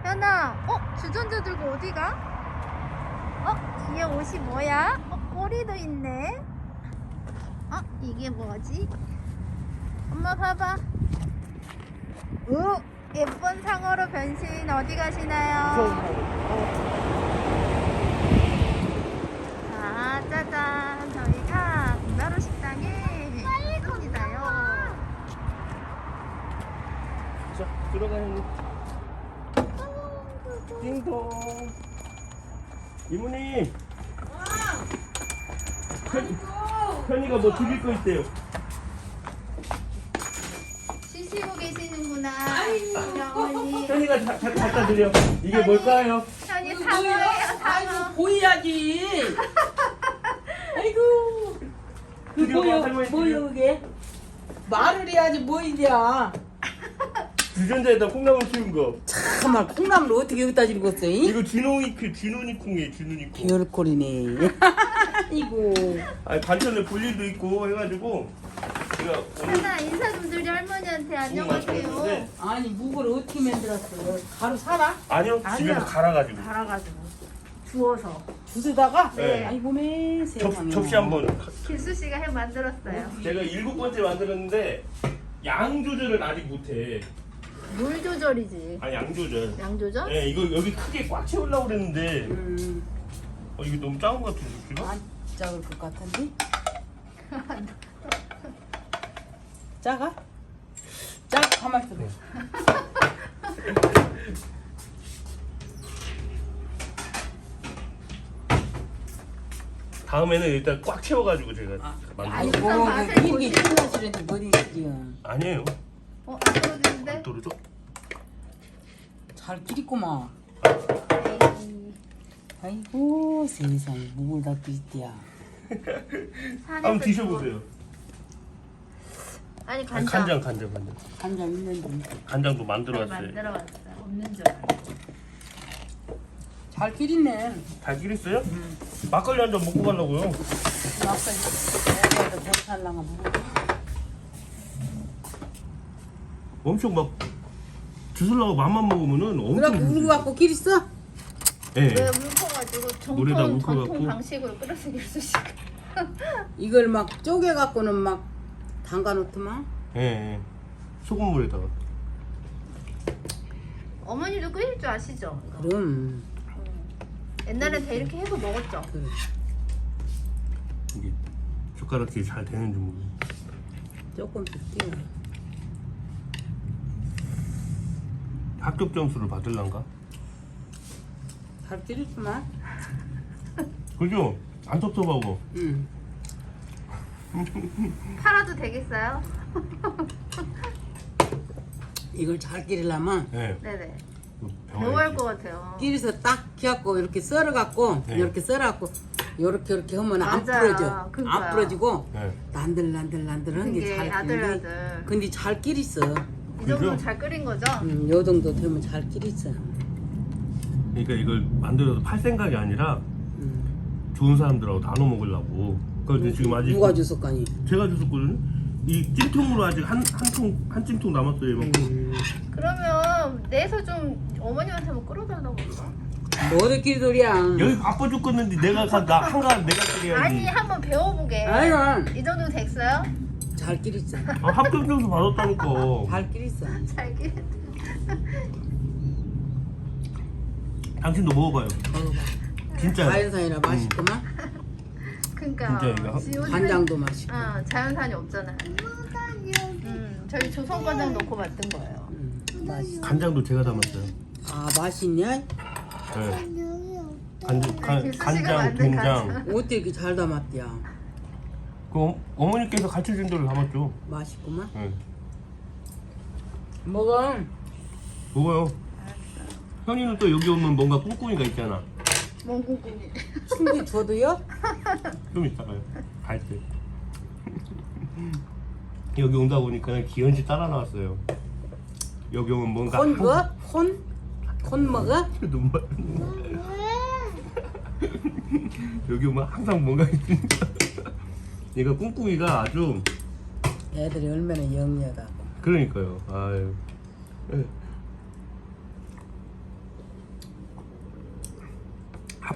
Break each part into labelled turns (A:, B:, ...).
A: 현아, 주전자 들고 어디 가? 뒤에 옷이 뭐야? 꼬리도 있네. 이게 뭐지? 엄마 봐봐. 예쁜 상어로 변신. 어디 가시나요? 짜잔. 저희가 문화로 식당에 있습니다요.
B: 자, 들어가는 띵동. 이모님. 현이가 뭐 드릴 거 있대요.
A: 쉬시고 계시는구나. 우리 어머니.
B: 현이가 갖다 드려. 이게 뭘까요?
A: 현이 상어예요,
C: 아이고
A: 상어.
C: 보여야지. 아이고 그
B: 드려봐, 할머니
C: 뭐요 그게? 말을 해야지 뭐 이냐.
B: 주전자에다 콩나물 키운 거.
C: 참말 콩나물 어떻게 여기다 집었어?
B: 이거 진호니 콩이에요, 진호니 콩.
C: 별꼴이네. 아이고
B: 아니 반찬에 볼 일도 있고 해가지고 제가 오늘
A: 현아, 인사 좀 드려, 할머니한테. 안녕하세요.
B: 왔는데
C: 아니 묵을 어떻게 만들었어? 가루 사라?
B: 아니요, 집에서 갈아가지고
A: 갈아가지고 주워서
C: 부수다가?
B: 네.
C: 아이고 매 세상에.
B: 접시 한번.
A: 길수 씨가 해 만들었어요.
B: 제가 7번째 만들었는데 양 조절을 아직 못해.
A: 물 조절이지.
B: 아니 양 조절.
A: 양 조절?
B: 네, 이거 여기 크게 꽉 채우려고 그랬는데 이게 너무 작은 것 같은데 접시가?
C: 안 작을 것 같은데? 작아? 가만 있어.
B: 다음에는 일단 꽉 채워가지고 제가 만들어.
C: 아이고
A: 맛을
C: 그
A: 보지.
C: 이게 끝나시는데 머리 지요.
B: 아니에요.
A: 안 떨어지는데?
B: 떨어져?
C: 잘 끼리구만.
A: 에이,
C: 아이고 세상에 묵을 다 끼리야.
A: 산에서
B: 한번 드셔보세요.
A: 아니,
B: 아니,
A: 간장.
B: 간장.
C: 간장 있는데.
B: 간장도 만들어왔어요.
A: 만들어왔어. 없는 줄 알아.
C: 잘 끼리네.
B: 잘 끼렸어요? 막걸리 한 잔 먹고 가려고요.
C: 막걸리 못 살랑아 먹어.
B: 엄청 막 주술라고 맘만 먹으면은 엄청.
C: 그래갖고 울고 갖고 끼리어?
B: 예.
A: 왜 울컥가지고
B: 노래다
A: 전통
B: 울컥갖고.
A: 방식으로 끓여서 길수 씨가.
C: 이걸 막 쪼개갖고는 막 담가놓더만.
B: 예. 소금물에다가.
A: 어머니도 끓일 줄 아시죠? 이거?
C: 그럼
A: 옛날엔 다 이렇게 해서 먹었죠.
C: 그래.
B: 이게 젓가락질이 잘 되는지 모르겠어요.
C: 조금씩 띄워.
B: 합격 점수를 받을란가?
C: 잘 끼리구만.
B: 그죠? 안 섭섭하고.
C: 응.
A: 팔아도 되겠어요?
C: 이걸 잘 끼리려면
B: 예.
A: 네네.
B: 배워야지.
A: 배워할 것 같아요.
C: 끼리서 딱 끼갖고 이렇게 썰어갖고
B: 네.
C: 이렇게 썰어갖고 이렇게 하면 안
A: 맞아.
C: 부러져.
A: 그거야.
C: 안 부러지고
B: 예.
C: 난들난들한 게
A: 그게
C: 잘
A: 아들아들.
C: 끼리. 근데 잘 끼리어.
A: 이 정도면
B: 그죠?
A: 잘 끓인 거죠?
C: 요 정도 되면 잘 끼리어.
B: 그러니까 이걸 만들어서 팔 생각이 아니라 좋은 사람들하고 나눠 먹으려고. 그래서 지금 아직
C: 누가 줬을까니?
B: 제가 줬었거든요. 이 찜통으로 아직 한 찜통 남았어요. 이만큼.
A: 그러면 내서 좀 어머님한테 한번 끓여달라고 그러자.
C: 뭐들끼리 소리야.
B: 여기 바빠 죽겠는데 내가 한가 내가 끓여야지.
A: 아니, 한번 배워보게.
C: 아이고
A: 이 정도 됐어요?
C: 잘 끼리어.
B: 합격 점수 받았다니까.
C: 잘 끼리어.
A: 잘 끓.
B: 당신도 먹어봐요. 진짜.
C: 자연산이라 맛있구만.
A: 그러니까
B: 진짜 이거
A: 요즘엔-
C: 간장도 맛있고.
A: 자연산이 없잖아요. 저희 조선 간장 넣고 만든 거예요.
C: 맛있어.
B: 간장도 제가 담았어요.
C: 아 맛있냐?
B: 네.
A: 길수 씨가
B: 간장,
A: 만든
B: 된장.
A: 간장.
C: 어떻게 이렇게 잘 담았대야?
B: 그 어머니께서 가르쳐준 대로 담았죠.
C: 맛있구만.
B: 네.
C: 먹어.
B: 먹어요. 현이는 또 여기 오면 뭔가 꿍꿍이가 있잖아.
A: 뭔 꿍꿍이.
C: 충기 줘도요?
B: 좀 이따가요. 갈 때. 여기 온다 보니까 기현씨 따라 나왔어요. 여기 오면 뭔가
C: 콘 거? 콘 먹어?
B: 눈물. 여기 오면 항상 뭔가 있으니까. 얘가 꿍꿍이가 아주.
C: 애들이 얼마나 영리하다고.
B: 그러니까요. 아유. 예.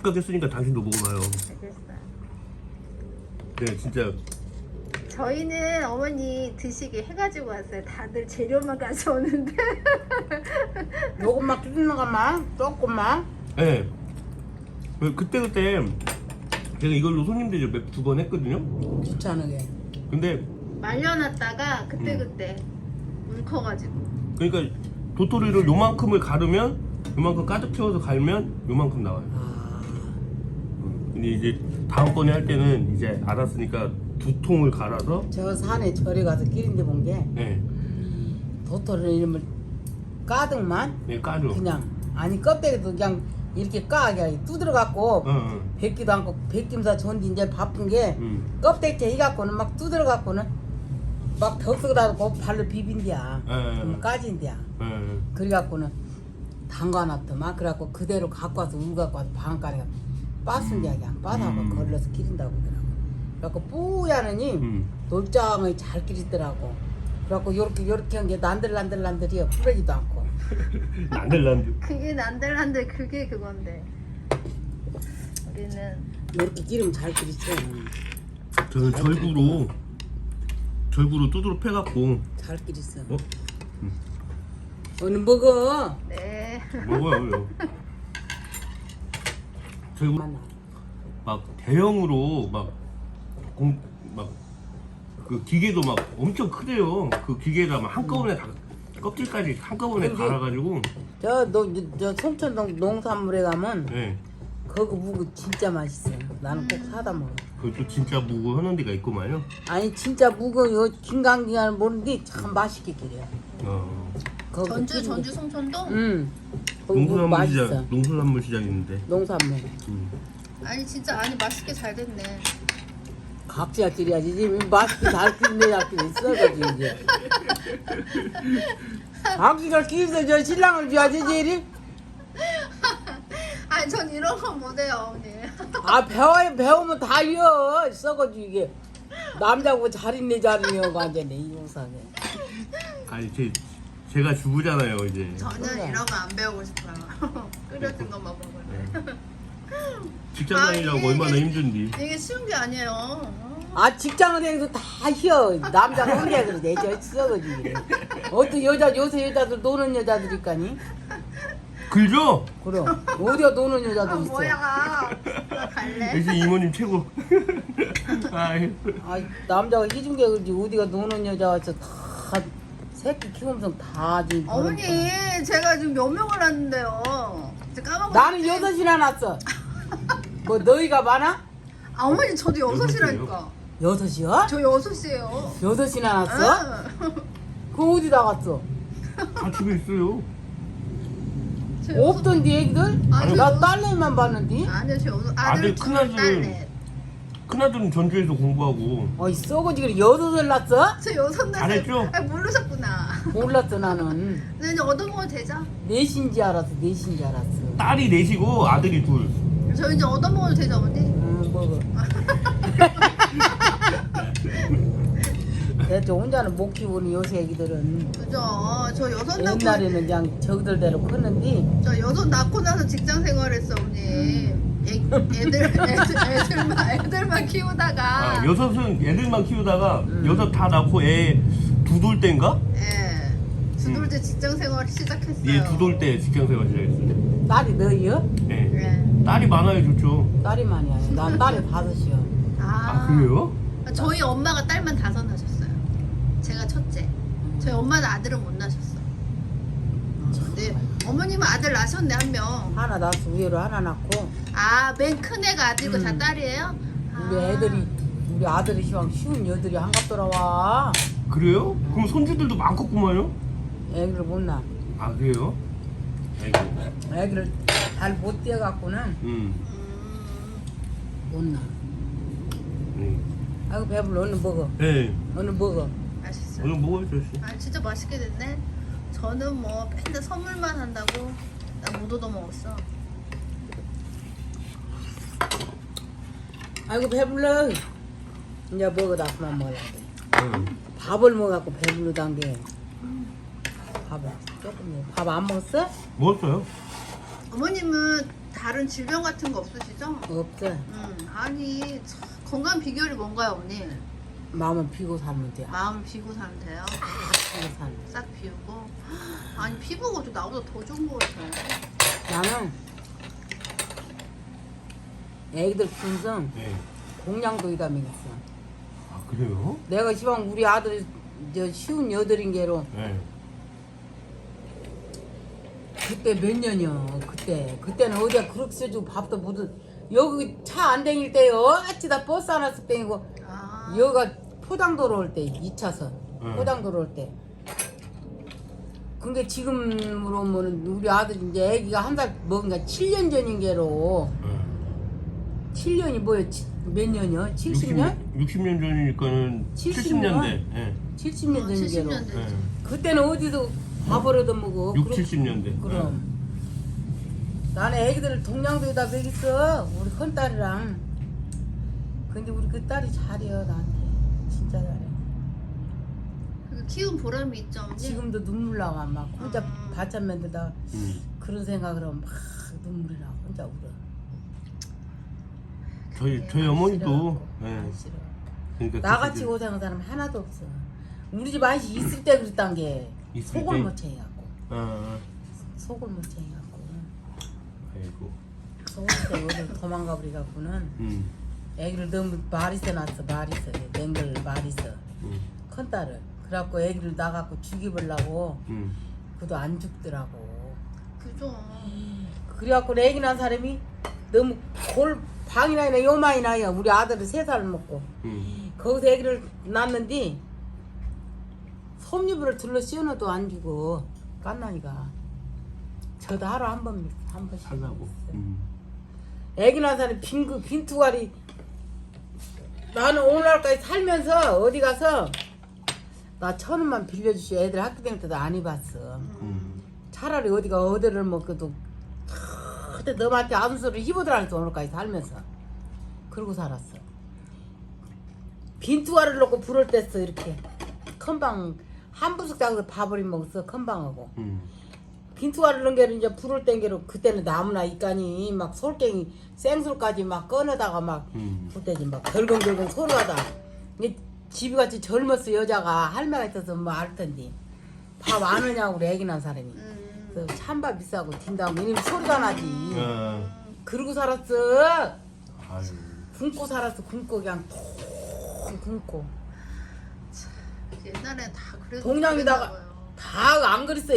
B: 합격 했으니까 당신도 먹어봐요.
A: 알겠어요.
B: 네, 진짜.
A: 저희는 어머니 드시게 해가지고 왔어요. 다들 재료만 가져오는데.
C: 요것만 뜯는 것만 조금만.
B: 네. 그때 제가 이걸로 손님들 몇 두 번 했거든요.
C: 귀찮게.
B: 근데
A: 말려놨다가 그때 울커가지고.
B: 그러니까 도토리를 요만큼을 가르면 요만큼 가득 채워서 갈면 요만큼 나와요.
C: 아,
B: 근데 이제 다음번에 할 때는 이제 알았으니까 2통을 갈아서
C: 저 산에 절에 가서 기린데 본 게
B: 네,
C: 도토리 이름을 가득만
B: 네 까죠.
C: 그냥 아니 껍데기도 그냥 이렇게 까게 두드려 갖고
B: 응.
C: 뱉기도 않고 뱉김사 전디 이제 바쁜 게 껍데기 해 갖고는 막 두드려 갖고는 막 덕석다 고 발로 비빈디야. 그럼 까진디야. 그래 갖고는 담가놨더만 그래갖고 그대로 갖고 와서 울 갖고 와서 방앗간에 빠순디야 그냥 빠다가 걸러서 기린다고 그러더라고. 그래갖고 뿌야느니 놀장을 잘 기리더라고. 그래갖고 요렇게 한 게 난들난들이요. 부러지도 않고.
B: 난들난들.
A: 그게 난들난들 그게 그건데. 우리는
C: 요렇게 기름 잘 기리죠.
B: 저는 절구로 두드러 패갖고
C: 잘 기리어.
B: 어?
C: 오늘 먹어.
A: 네.
B: 먹어요. 절구
C: 만나.
B: 막 대형으로 그 기계도 막 엄청 크대요. 그 기계가 막 한꺼번에 다 껍질까지 한꺼번에
C: 그게-
B: 갈아가지고.
C: 저 송천동 농산물에 가면
B: 네.
C: 거기 무구 진짜 맛있어. 나는 꼭 사다 먹어.
B: 그것도 진짜 무고 하는 데가 있구만요.
C: 아니 진짜 무거 요 김강기가 모르는데 참 맛있게 기려. 거기
A: 전주
C: 기린 게-
A: 송천동?
C: 응. 거기 무구 맛있어.
B: 농수산물 시장 있는데.
C: 농산물.
A: 아니 진짜 아니 맛있게 잘 됐네.
C: 각자 기려야지. 지금 맛있게 잘 기린데 약기는 썩어지 이제. 각기가 기려서 저 신랑을 줘야지 제일이.
A: 아니 전 이런 건 못해요 어머니.
C: 아 배우면 다 이어 썩어지 이게. 남자고 잘 있네 잘 있네 완전히 이 영상에.
B: 아니 제가 주부잖아요 이제.
A: 저는
C: 그래.
A: 이런 거 안 배우고 싶어요. 끓여진 것만 먹을래.
B: 직장 다니려고
A: 아니,
B: 얼마나
A: 이게-
B: 힘든지.
A: 이게 쉬운 게 아니에요.
C: 아 직장을 다니면서 다 희어 남자가 혼자 그러지 저 썩어지 이래. 어떤 요새 여자들 노는 여자들이니까니
B: 글죠?
C: 그럼 어디가 노는
A: 아,
C: 여자들 있어.
A: 뭐야? 나 갈래.
B: 역시 이모님 최고. 아이.
C: 아 남자가 희준 게 그러지 어디가 노는 여자 와서 다 새끼 키우면서 다 지금
A: 어머니 제가 지금 몇 명을 낳는데요. 이제 까먹었지.
C: 나는 6이나 낳았어. 뭐 너희가 많아?
A: 아 어머니 저도 6이라니까.
C: 6이요?
A: 저 6이에요.
C: 6이나 낳았어? 그 어디다 갔어?
B: 다 집에 있어요.
C: 없던데 애기들?
A: 아니,
C: 나 딸내미만 봤는데.
A: 아니요 저
B: 아들
A: 아들
B: 큰아들은-
A: 딸넷.
B: 큰아들은 전주에서 공부하고.
C: 어이 썩어지 그래 6을 낳았어?
A: 저 6넷.
B: 잘했죠?
A: 아 모르셨구나.
C: 몰랐어 나는.
A: 네, 이제 얻어먹어도 되죠?
C: 넷인지 알았어 넷인지 알았어.
B: 딸이 넷이고 아들이 둘.
A: 저 이제 얻어먹어도 되죠 어머니?
C: 먹어. 대체 혼자는 못 키우는 요새 애기들은.
A: 그죠? 저 6 낳고
C: 옛날에는 그냥 저기들대로 컸는데
A: 저 6 낳고 나서 직장 생활했어 어머니. 애들만 키우다가
B: 아, 여섯은 애들만 키우다가 여섯 다 낳고 애 두 돌 때인가?
A: 예. 두돌 때 직장 생활 시작했어요.
B: 얘 두 돌 때 직장 생활 시작했어요.
C: 딸이 너희요?
B: 예.
A: 예.
B: 딸이 많아야 좋죠.
C: 딸이 많이 아니야. 난 딸이 5이요.
B: 아 그래요?
A: 저희 엄마가 딸만 5 낳으셨어요. 제가 첫째. 저희 엄마는 아들은 못 낳으셨어. 근데 어머님은 아들 낳으셨네 한 명.
C: 하나 낳았어. 위로 하나 낳고
A: 아, 맨 큰 애가 아들이고 다 딸이에요?
C: 우리 아들이 시방 쉬운 여들이 한갑 돌아와.
B: 그래요? 그럼 손주들도 많겠구만요?
C: 애기를 못 낳아.
B: 아 그래요? 아이고.
C: 애기를 잘 못 떼어갖고는 못 낳아. 아이고 배불러. 얼른 먹어.
B: 네.
C: 얼른 먹어.
A: 맛있어요.
B: 오늘 먹어야죠. 씨.
A: 아, 진짜 맛있게 됐네. 저는 뭐 맨날 선물만 한다고 나 못 얻어먹었어.
C: 아이고 배불러. 이제 먹어. 나 그만 먹으려고.
B: 응.
C: 밥을 먹어갖고 배불러단 게. 밥을 조금 먹어. 밥 안 먹었어?
B: 먹었어요?
A: 어머님은 다른 질병 같은 거 없으시죠?
C: 없어.
A: 아니 참, 건강 비결이 뭔가요, 언니?
C: 마음은 비고 살면 돼.
A: 마음 비우고 사면 돼요.
C: 비고 살면.
A: 싹 비우고. 아니 피부가 좀 나보다 더 좋은 것 같아요.
C: 나는 애기들 키우면서
B: 네.
C: 공양도이가 먹였어.
B: 아 그래요?
C: 내가 시방 우리 아들 저 쉬운 여덟인 게로
B: 네.
C: 그때 몇 년이요. 그때는 어디야 그렇게 써주고 밥도 못 여기 차 안 다닐 때요. 어찌다 버스 하나 쓱 다니고
A: 아.
C: 여기가 포장도로 올 때 2차선 포장도로 올 때. 근데 지금으로 보면 우리 아들 이제 애기가 한 살 먹으니까 7년 전인 게로 7년이 뭐예요? 몇 년이요? 70년?
B: 60년 전이니까는 70년대. 예.
C: 70년 전인 게로.
A: 70년 대.
B: 예.
C: 그때는 어디서 밥 얻어 먹어.
B: 6, 70년대.
C: 그럼. 나는 애기들을 동양도에다 먹였어. 우리 큰 딸이랑. 근데 우리 그 딸이 잘해요 나한테. 진짜 잘해.
A: 그 키운 보람이 있죠, 언니?
C: 지금도 눈물 나와. 막 혼자 바짝 만들다 그런 생각을 하면 막 눈물이 나. 혼자 울어.
B: 저희 어머니도 예.
C: 안 싫어.
B: 그러니까
C: 나같이
B: 그때
C: 고생한 사람 하나도 없어. 우리 집 아저씨 있을 때 그랬단 게
B: 있을
C: 속을
B: 때?
C: 못 채갖고
B: 아,
C: 속을 못 채갖고
B: 아이고.
C: 속을 때 어디 도망가 버리 갖고는 애기를 너무 마리서 낳았어. 마리서 맹글 마리서 큰 딸을 그래갖고 애기를 나갖고 죽이보려고 그도 안 죽더라고.
A: 그죠.
C: 그래갖고 애기 낳은 사람이 너무 골 방이나 이나 요만이 나요. 우리 아들은 3살 먹고 거기서 애기를 낳는데 섭유부를 둘러 씌워놔도 안 주고 깐나니가 저도 하루 한 번씩
B: 살라고.
C: 애기 낳은 사람이 빈투가리 나는 오늘날까지 살면서 어디 가서 나 1,000원만 빌려주시 애들 학교 다닐 때도 안 입었어. 차라리 어디가 어디를 먹어도 그때 너한테 아무 소리 희보들한테 오늘까지 살면서 그러고 살았어. 빈투가를 놓고 불을 뗐어. 이렇게 큰방 한 부숙장에서 밥을 먹었어. 큰방하고 빈투가를 넣은 게로 이제 불을 뗀 게로 그때는 나무나 이까니 막 솔갱이 생술까지 막 꺼내다가 막 그때지 막 덜컹덜컹 소리하다. 이게 집이 같이 젊었어. 여자가 할매가 있어서 뭐 알 텐데 밥 안 하냐고 우리 애기 낳은 사람이. 그래서 찬밥 비싸고 딘다고 이놈 소리가 나지. 그러고 살았어.
B: 아유.
C: 굶고 살았어. 굶고 그냥 통 굶고.
A: 옛날엔 다 그래도
C: 동양에다가 다 안 그랬어.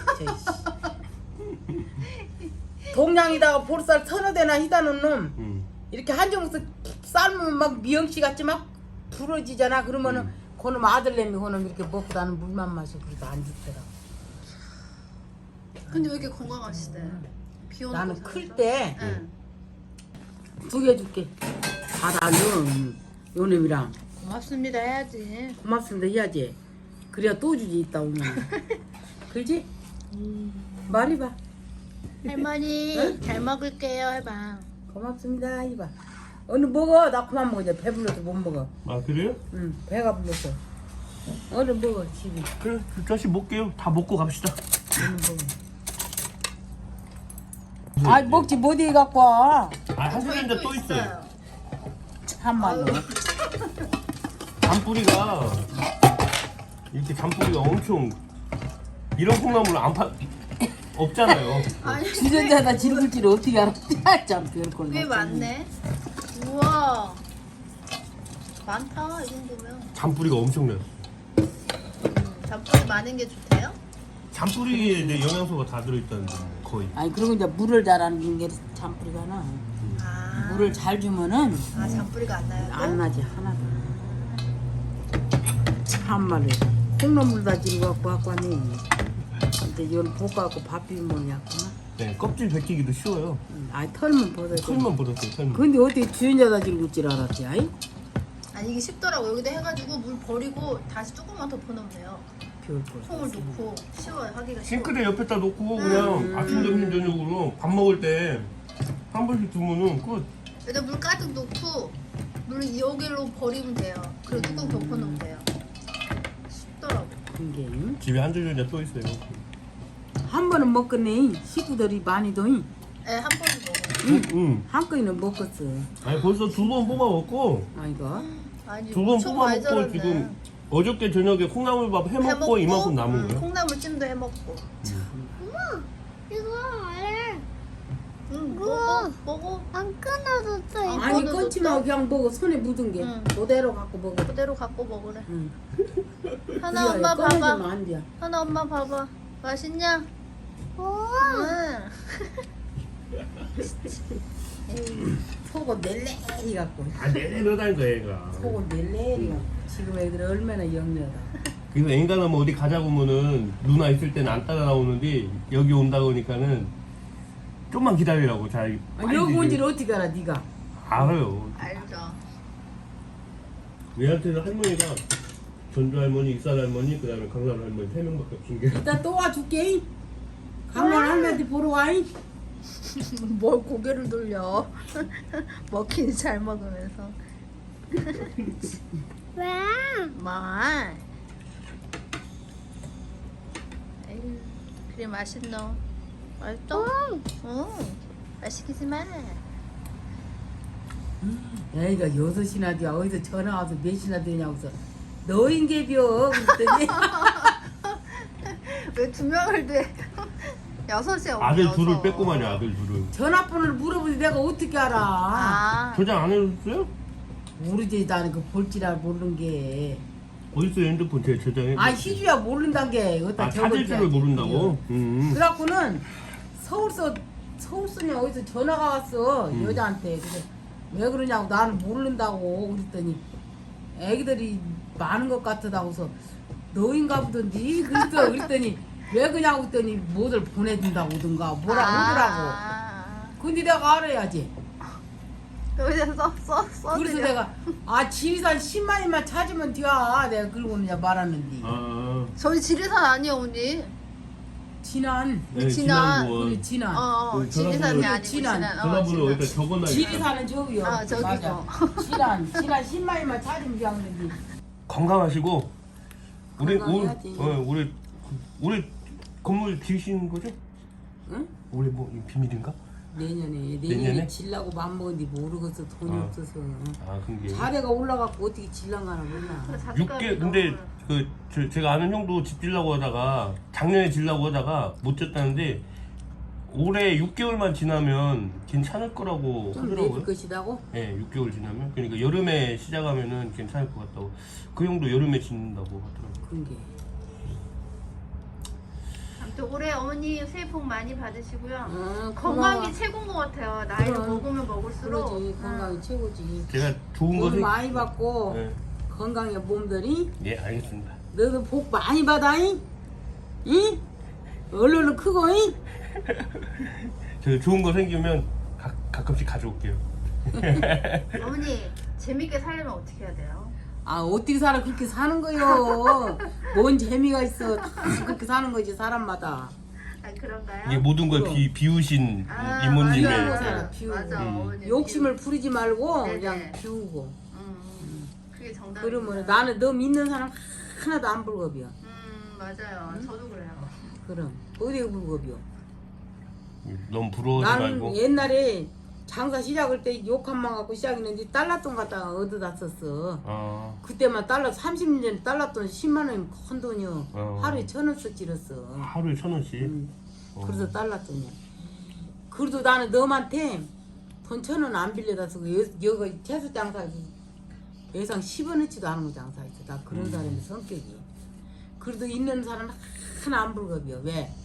C: 동양에다가 볼살 서너 대나 희다는 놈 이렇게 한정에서 삶으면 막 미영씨 같이 막 부러지잖아. 그러면은 그놈 아들내미 그놈 이렇게 먹고 나는 물만 마셔. 그래도 안 죽더라.
A: 근데 왜 이렇게 건강하시대? 비 오는
C: 나는
A: 거
C: 클
A: 살면서?
C: 때
A: 응.
C: 2개 줄게. 받아 요놈이랑
A: 고맙습니다 해야지.
C: 고맙습니다 해야지. 그래야 또 주지 있다 오면. 그렇지? 말해봐.
A: 할머니 잘 먹을게요 해봐.
C: 고맙습니다 이봐. 오늘 먹어. 나 그만 먹어. 이제 배불러서 못 먹어.
B: 아 그래요?
C: 응 배가 불러서. 오늘 먹어 집이.
B: 그래 두 자씩 먹게요. 다 먹고 갑시다.
C: 오늘 먹어. 아 먹지 못 해 갖고 와.
B: 한 시간인데 또 있어요.
C: 참말로.
B: 잔뿌리가 이렇게 잔뿌리가 엄청 이런 콩나물 안 파 없잖아요.
A: 아니
C: 주전자에다 지르을 줄 어떻게 알아? 참 별걸.
A: 꽤 많네. 우와 많다 이 정도면.
B: 잔뿌리가 엄청나요.
A: 잔뿌리 많은 게 좋대요?
B: 잔뿌리에 이제 영양소가 다 들어있다는데 거의.
C: 아니 그리고 이제 물을 잘하는 게 잔뿌리가나.
A: 아,
C: 물을 잘 주면은
A: 아 잔뿌리가 안 나요? 또?
C: 안 나지 하나도. 참말로 콩나물 다 지르고 갖고 왔니. 근데 이건 볶아갖고 밥 비비면 약구나.
B: 네 껍질 벗기기도 쉬워요.
C: 아이 털만 벗어.
B: 털만 벗었어요. 털만.
C: 근데 어떻게 주인자다 지르고 줄 알았지? 아이?
A: 아니 이게 쉽더라고. 여기다 해가지고 물 버리고 다시 조금만 덮어놓으면 돼요.
C: 별걸.
A: 콩을 넣고 쉬워요. 하기가 쉬워.
B: 싱크대 옆에다 놓고 그냥 아침 점심 저녁으로 밥 먹을 때 한 번씩 두면은 끝.
A: 여기다 물 가득 넣고 물 여기로 버리면 돼요. 그리고 뚜껑 덮어놓으면 돼요. 쉽더라고.
C: 이게
B: 집에 한 줄전자 또 있어요.
C: 한 번은 먹겠네. 식구들이 많이 더이.
A: 네, 한 번은 먹어요.
B: 응.
C: 한 건이는 먹었어.
B: 아니 벌써 2번 뽑아 먹고
C: 아이고.
A: 아니
B: 2번
A: 엄청
B: 뽑아
A: 많이
B: 먹고
A: 자랐네.
B: 지금 어저께 저녁에 콩나물밥 해먹고 이만큼 남은 거야.
A: 콩나물찜도 해먹고.
D: 이거 안
A: 응,
D: 우와.
A: 먹어.
D: 안 끊어졌어. 이거.
C: 아니
A: 이거는
C: 끊지
A: 또-
C: 마 그냥 먹어. 손에 묻은 게
A: 응.
C: 그대로 갖고 먹어.
A: 그대로 갖고 먹으래.
C: 응.
A: 하나 엄마
C: 꺼내주면
A: 봐봐.
C: 안 돼.
A: 하나 엄마 봐봐. 맛있냐?
D: 우와.
A: 응.
C: 에이, 속은 낼래리 갖고.
B: 아 내려다니까 얘가.
C: 속은 낼래리 갖고. 지금 애들 얼마나 영리하다.
B: 그래서 인간은 뭐 어디 가자고 하면은 누나 있을 때는 안 따라 나오는데 여기 온다 보니까는 좀만 기다리라고 잘.
C: 아니, 여기 온 지를 어떻게 알아 네가?
B: 알아요.
A: 알죠.
B: 얘한테는 할머니가 전주 할머니, 익산 할머니, 그다음에 강남 할머니 3명밖에 없은 게.
C: 이따 또 와줄게. 강남 할머니 보러 와.
A: 뭘 고개를 돌려. 먹긴 잘 먹으면서.
D: 왜?
A: 말. 에이, 그래 맛있노. 맛있어? 응. 맛있기지 마.
C: 애가 6시나 돼. 어디서 전화 와서 몇 시나 되냐고 해서 너인게벼 그랬더니
A: 왜 2명을 돼? 6시에 오면
B: 아들 둘을 뺐구만요. 아들 둘을.
C: 전화번호를 물어보지 내가 어떻게 알아.
A: 아.
B: 저장 안 해줬어요?
C: 모르지 나는 그 볼지라 모르는 게.
B: 어딨어요 핸드폰 제 저장해.
C: 아 희주야 모른단 게. 어디다
B: 아 찾을 줄을 모른다고?
C: 그래갖고는 서울서냐 어디서 전화가 왔어. 여자한테. 그래서 왜 그러냐고 나는 모른다고 그랬더니 애기들이 많은 것 같다고서 너인가 보던지 그랬더니 왜 그냐고 그랬더니 뭐들 보내준다고 오든가 뭐라고 하더라고. 근데 내가 알아야지.
A: 여기다 써.
C: 그래서 내가 지리산 10마리만 찾으면 돼. 내가 그러고는 말하는데.
B: 아.
A: 저희 지리산 아니에요 언니.
C: 진안.
B: 네,
A: 진안.
B: 지난번.
C: 우리 진안.
B: 그
A: 지리산이
B: 전화번호-
A: 아니고
C: 진안.
A: 진안.
B: 전화번호 여기다 적어놔.
C: 지리산은 저기요.
A: 아, 저기고.
C: 맞아. 진안 10마리만 찾으면 되는데.
B: 건강하시고 우리
C: 건강해야지.
B: 우리 건물 지으시는 거죠?
C: 응?
B: 올해 뭐 이거 비밀인가?
C: 내년에
B: 내년에?
C: 질라고 맘먹은데 모르겠어. 돈이
B: 아.
C: 없어서.
B: 아 그게.
C: 자네가 올라가고 어떻게 질랑가나 몰라.
B: 6개 근데 제가 아는 형도 집 지려고 하다가 작년에 지려고 하다가 못 졌다는데 올해 6개월만 지나면 괜찮을 거라고
C: 좀
B: 하더라고요.
C: 내줄 것이다고?
B: 네, 6개월 지나면 그러니까 여름에 시작하면은 괜찮을 것 같다고. 그 형도 여름에 짓는다고 하더라고요.
C: 그런 게.
A: 아무튼 올해 어머니 새해 복 많이 받으시고요.
C: 고마워.
A: 건강이 최고인 것 같아요. 나이를
C: 그럼.
A: 먹으면 먹을수록.
C: 그러지. 건강이 최고지.
B: 제가 좋은 거
C: 돈
B: 생-
C: 많이 받고
B: 네.
C: 건강해 몸들이.
B: 예, 알겠습니다.
C: 너도 복 많이 받아잉? 응? 얼른 크고잉?
B: 저 좋은 거 생기면 가끔씩 가져올게요.
A: 어머니 재밌게 살려면 어떻게 해야 돼요?
C: 어떻게 살아 그렇게 사는 거요. 뭔 재미가 있어. 다 그렇게 사는 거지 사람마다.
A: 아 그런가요?
B: 이게 모든 걸
C: 그럼.
B: 비우신
A: 아,
B: 이모님의
C: 비우고
A: 맞아요.
C: 살아, 비우고.
A: 맞아. 어머니
C: 욕심을 부리지 말고
A: 네네.
C: 그냥 비우고.
A: 그게 정답.
C: 그러면 나는 너 믿는 사람 하나도 안 불겁이야.
A: 맞아요. 저도 그래요.
C: 그럼 어디 불겁이요?
B: 너무 부러워하지
C: 나는
B: 말고.
C: 옛날에 장사 시작할 때 욕 한 번 갖고 시작했는데 달러돈 갖다가 얻어다 썼어. 그때만 달러 30년 전에 달러돈 10만 원이면 큰 돈이요. 하루에 1,000원 쓰지렸어.
B: 하루에 1,000원씩.
C: 그래서 달러돈이야. 그래도 나는 너한테 돈 1,000원 안 빌려다 쓰고 여기 채소 장사 예상 10원어치도 안 하는 거 장사했어. 나 그런 사람의 성격이. 그래도 있는 사람 하나 안 불겁이요. 왜?